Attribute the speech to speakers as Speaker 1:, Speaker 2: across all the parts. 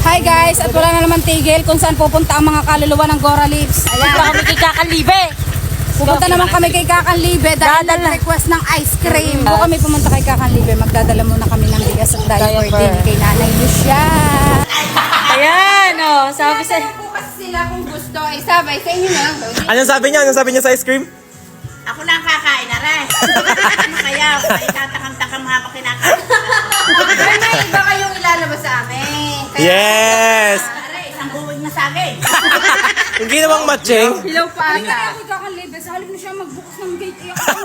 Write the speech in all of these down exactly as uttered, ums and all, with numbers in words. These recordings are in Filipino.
Speaker 1: Hi guys, at wala na naman tigil kung saan pupunta ang mga kaluluwa ng Gora Lips.
Speaker 2: Ayan. Pupunta kami kay Kakalibe.
Speaker 1: Pupunta naman kami kay Kakanlibe dahil nag-request ng ice cream. Kung kami pumunta kay Kakanlibe, magdadala muna kami ng bigas at diaper din kay Nanay Lucia.
Speaker 2: Ayan, oh, sabi sa...
Speaker 1: Bukas sila kung gusto, ay sabay sa inyo na.
Speaker 3: Anong sabi niya? Anong sabi niya sa ice cream?
Speaker 4: Ako na ang kakain na rin. Ano kaya? Ay tatakam-takam habang kinakain.
Speaker 1: Pero may iba kayong ilalabas sa amin. Kaya,
Speaker 3: Yes!
Speaker 4: Pare, isang buwig na saging.
Speaker 3: Yung ginawang matching.
Speaker 1: Hilaw pa ata. Kay Kakanlibe, sa halip na siya magbukas ng gate. Eh, ako,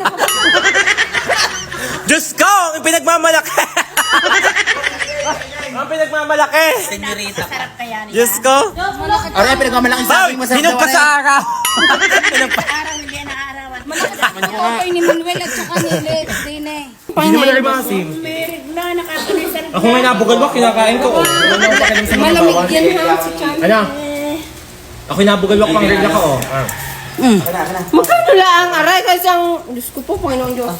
Speaker 3: Diyos ko! Ang pinagmamalaki! Ang pinagmamalaki!
Speaker 4: Senyorita. Sarap kaya niya.
Speaker 3: Diyos ko!
Speaker 5: Aray, pinagmamalaking
Speaker 3: Ay!
Speaker 5: saging, masarap
Speaker 3: Hinog
Speaker 5: daw,
Speaker 3: ka sa
Speaker 5: aray.
Speaker 3: araw! Hinog pa.
Speaker 4: Araw hindi na arawan.
Speaker 1: okay ni Manuel at saka ni Lex din eh.
Speaker 3: Hindi naman na rin maasim.
Speaker 4: Merig na, nakakalisan.
Speaker 3: Ako ngayon nabugalwak, kinakain ko. Oh.
Speaker 1: Malamig yan ha, si Chan.
Speaker 3: Ano? Ako nabugalwak pang regla ko. Oh. Ah.
Speaker 1: Magkano lang, aray, kasi ang... Diyos ko po, Panginoon Diyos.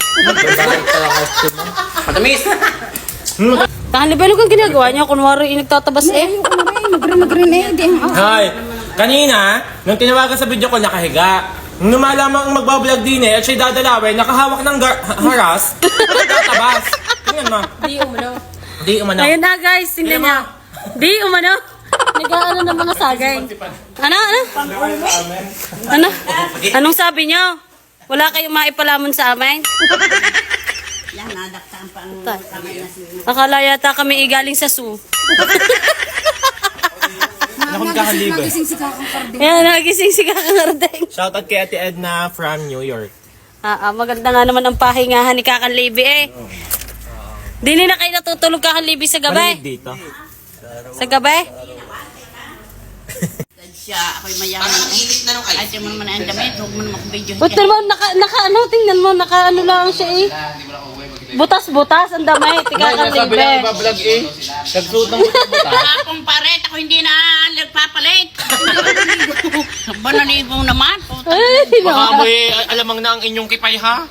Speaker 5: Matamis.
Speaker 2: Kakalibe, ano kang ginagawa niya? Kunwari, yung nagtatabas eh.
Speaker 1: Mag-green eh, di ang...
Speaker 3: Hi! Kanina, nung tinawagan sa video ko, nakahiga. Nung lumalamang ang magbablog din eh, at siya'y dadalawin, nakahawak ng gar- ha- haras, nagtatabas. Tingnan mo.
Speaker 1: Di umano.
Speaker 3: Di umano.
Speaker 2: Ayun na guys, tingnan niya. Di, umano. Nag-ano ng mga sagay. Ano, ano? Ano? Anong sabi niyo? Wala kayong maipalamon sa amin?
Speaker 4: Yan, nadaktaan pa ang kamay na siya.
Speaker 2: Akala yata kami igaling sa zoo.
Speaker 3: Ako Kakalibe.
Speaker 1: Nagising si Kakang Carding.
Speaker 2: Ayan, nagising si Kakangardeng.
Speaker 3: Shoutout kay Ate Edna from New York.
Speaker 2: Ah, ah, maganda nga naman ang pahingahan ni Kakalibe eh. Dili na kayo natutulog Kakalibe sa gabi?
Speaker 3: Malamig dito.
Speaker 2: Sa gabi?
Speaker 4: Siya, ako'y mayaman. Parang init na nung kayo. Ay, di mo naman ang damit. Huwag mo naman video
Speaker 2: Ba't naman, naka, naka, ano, tingnan mo, naka, ano lang siya eh. Butas-butas, ang damay, tika Kakalibe.
Speaker 5: Iba-vlog eh. Nagsuot ng butas-butas.
Speaker 4: Akong paret, ako hindi na nagpapalit. Ba naligo naman?
Speaker 2: Ay, no.
Speaker 3: Baka mo eh, alamang na ang inyong kipay ha?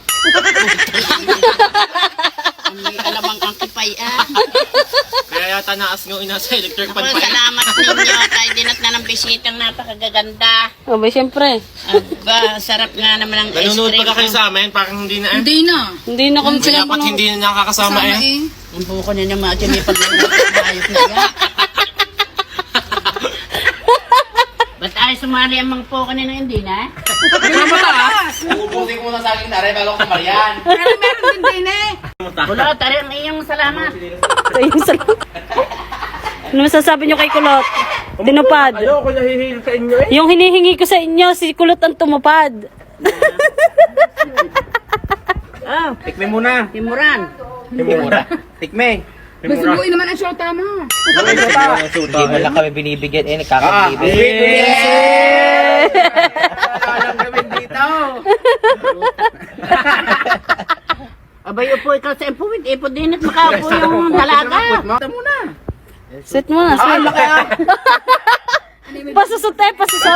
Speaker 4: May alamang ang kipay ah.
Speaker 3: Kaya yata naas ng ina sa electric
Speaker 4: Ako,
Speaker 3: pan pa.
Speaker 4: salamat ninyo. Tayo dinat na ng bisitang napakagaganda.
Speaker 2: Oh, ba, syempre.
Speaker 4: Aba, sarap nga naman ang ice
Speaker 3: Nanonood
Speaker 4: cream.
Speaker 3: pa ka kayo sa amin, parang hindi na eh.
Speaker 1: Hindi na.
Speaker 2: Hindi na kami
Speaker 3: Kaya dapat hindi na nakakasama
Speaker 1: Sama
Speaker 3: eh.
Speaker 1: eh.
Speaker 4: Ang buko na naman at may pag-ayos na yan. Ba't ay sumali ang mga po kanina hindi na?
Speaker 5: Ubusin ko muna sa akin, aray, bago ko marian.
Speaker 1: Pero meron din din eh.
Speaker 4: Wala, tari ang iyong salamat.
Speaker 2: Ayun, salamat. Ano masasabi niyo kay Kulot? Tinupad.
Speaker 3: Ano ako nahihil sa inyo eh?
Speaker 2: Yung hinihingi ko sa inyo, si Kulot ang tumupad.
Speaker 4: Oh,
Speaker 5: Tikme muna.
Speaker 4: timuran.
Speaker 5: Tikme muna. Tikme.
Speaker 1: Masubuin naman ang shota mo.
Speaker 5: Hindi mo lang kami binibigyan eh, nagkakalibe. Alam kami dito.
Speaker 4: Abay, upo ikaw sa impuwid. Ipo din at makaupo yung dalaga.
Speaker 5: Ito muna.
Speaker 2: Sit mo na, sit.
Speaker 5: laki ah.
Speaker 2: Pasusot eh, pasusot.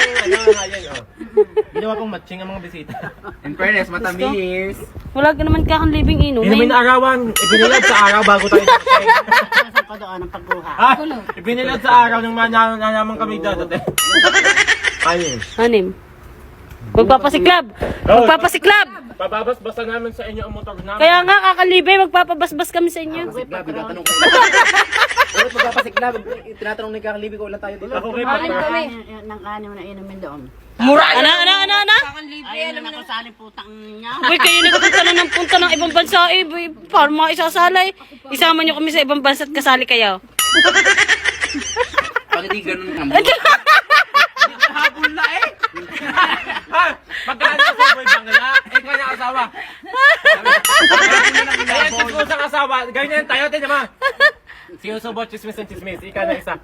Speaker 3: Ginawa kong matching ang mga bisita.
Speaker 5: In fairness, matamis.
Speaker 2: Wala ka naman kakanlibing
Speaker 3: Inumin
Speaker 2: inumin.
Speaker 3: na arawan, ibinilad sa araw bago tayo dating.
Speaker 4: Nasaan pa doon ang pagkuha?
Speaker 3: Ha? Ibinilad sa araw nang mananaman kami dadating. Ano yun?
Speaker 2: Anim. Magpapasiklab! Magpapasiklab!
Speaker 3: Bababas-basa namin sa inyo ang motor namin.
Speaker 2: Kaya nga, kakalibe, magpapabasbas kami sa inyo.
Speaker 5: Siklab, tinatanong ko. Ulit magpapasiklab, tinatanong ni Kakalibi ko, wala tayo dito.
Speaker 3: Ako kay Papa.
Speaker 4: Nang kanin na inumin doon.
Speaker 2: Mura! Ano, ano, ano, ano?
Speaker 4: Ayun na ako sa putang niya.
Speaker 2: Uy, kayo nagpunta na ng punta ng ibang bansa eh. Uy, parang mga isasalay. Isama nyo kami sa ibang bansa at kasali kayo.
Speaker 5: Pag hindi ganun ang
Speaker 3: Habol na eh! Ha? Magkano sa boy bangla? Eh, kaya na asawa. Ayan, sa sa asawa. Ganyan tayo, tinan mo. Si Usobo, chismis and chismis. Ika na isa.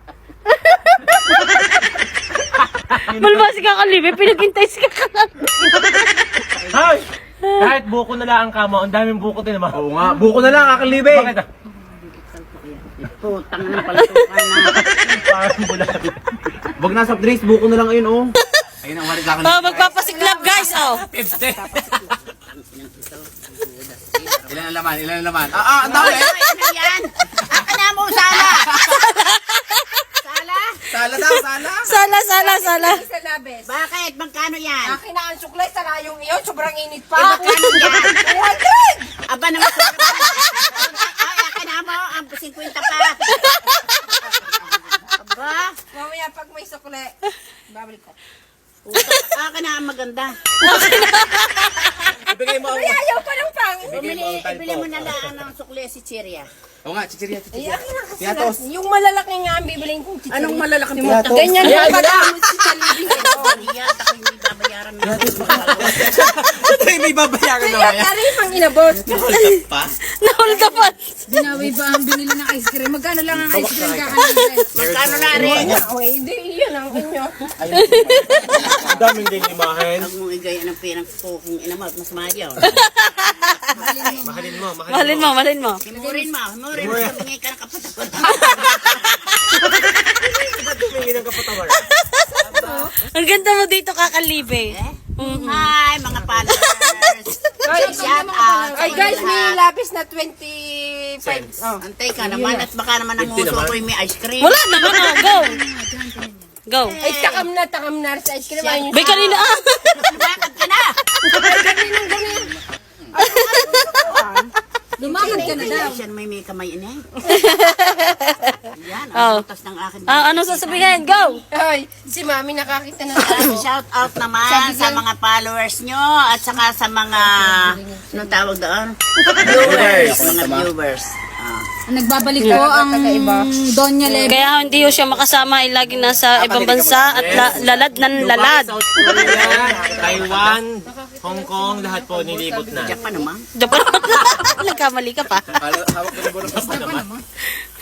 Speaker 2: Malba si kakalibe, pinaghintay si kakalibe.
Speaker 3: Hay! Kahit buko na lang ang kamo, ang daming buko din naman.
Speaker 5: Oo nga, buko na lang, Kakalibi.
Speaker 3: Bakit ah?
Speaker 4: Putang ng palatukan na.
Speaker 3: Parang bulabi.
Speaker 5: Wag na soft drinks, buko na lang ayun, oh. Ayun ang warit sa akin.
Speaker 2: Oh, magpapasiklab guys, oh.
Speaker 3: fifty.
Speaker 5: Ilan ang laman, ilan ang laman. Ah, ah, ang dami.
Speaker 4: Ano yan? Aka na mo sana!
Speaker 2: sala, sala.
Speaker 1: Sa labes.
Speaker 4: Bakit? Magkano yan?
Speaker 1: Akin na ang suklay, sala yung iyo, sobrang init
Speaker 4: Eh,
Speaker 1: pa.
Speaker 4: magkano yan?
Speaker 1: two hundred!
Speaker 4: Aba naman. Ay, akin na mo. Ang fifty pa. Aba.
Speaker 1: Mamaya pag may sukle, babalik ko.
Speaker 4: Akin na ang maganda.
Speaker 3: Ibigay mo ang...
Speaker 1: Ay, ayaw pa ng pangit.
Speaker 4: Bumili, ibili mo na lang ng sukli si Chiria.
Speaker 5: Oo nga, chichirya,
Speaker 1: Ay,
Speaker 5: chichirya.
Speaker 1: akin na kasi
Speaker 5: Tiyatos.
Speaker 1: lang. Yung malalaki nga ang bibiling kong chichiri.
Speaker 4: Anong malalaking
Speaker 5: Tiyatos.
Speaker 1: Ganyan
Speaker 5: Ay,
Speaker 1: yung
Speaker 5: ay,
Speaker 1: pagkamot si Chalibin.
Speaker 4: Iyan, ako hindi babayaran mo.
Speaker 3: Ito yung may babayaran na
Speaker 1: Kaya
Speaker 3: kaya.
Speaker 1: kari pang inabot.
Speaker 3: Pa?
Speaker 2: Nahold up pa.
Speaker 1: Binawi ba ang binili ng ice cream? Magkano lang ang ice cream kakalibin?
Speaker 4: Magkano na rin?
Speaker 1: Ay, hindi, iyan ang inyo.
Speaker 3: Ang daming din limahin.
Speaker 4: Huwag mong igay ng pirang ko kung inamot, mas mahal yun.
Speaker 3: Mahalin mo,
Speaker 2: Mahalin mo, mahalin mo.
Speaker 4: Himurin mo, himurin mo, sabingay ka ng kapatakot.
Speaker 3: Tumingin ang kapatawan.
Speaker 2: Ang ganda mo dito, kakalibe.
Speaker 4: Hi, mga followers. Shout out.
Speaker 1: Ay guys, may lapis na twenty-five. Oh.
Speaker 4: Antay ka naman at baka naman ang uso ko yung may ice cream.
Speaker 2: Wala naman, oh. Go. Go.
Speaker 1: Ay, takam na, takam na sa ice cream. Ayun
Speaker 2: Bay, kanina ah.
Speaker 4: Bakit ka na?
Speaker 1: Lumakad ka na daw.
Speaker 4: Siya may may kamay ina eh. Yan,
Speaker 2: Oh.
Speaker 4: ang utas ng akin.
Speaker 2: Ah, ano sasabihin? Go.
Speaker 1: Ay, si mami nakakita na tayo.
Speaker 4: Shout out naman sa mga followers nyo at saka sa mga, anong tawag doon? Viewers. Mga viewers. Ah.
Speaker 1: Nagbabalik po ang Donya Leve.
Speaker 2: Kaya hindi ho siya makasama ay lagi nasa ibang bansa at la- lalad ng lalad.
Speaker 3: South Korea, Taiwan, Hong Kong, lahat po nilibot na.
Speaker 4: Japan naman.
Speaker 2: Japan. Nagkamali ka pa.
Speaker 5: Hawak ko na po ng pasta naman.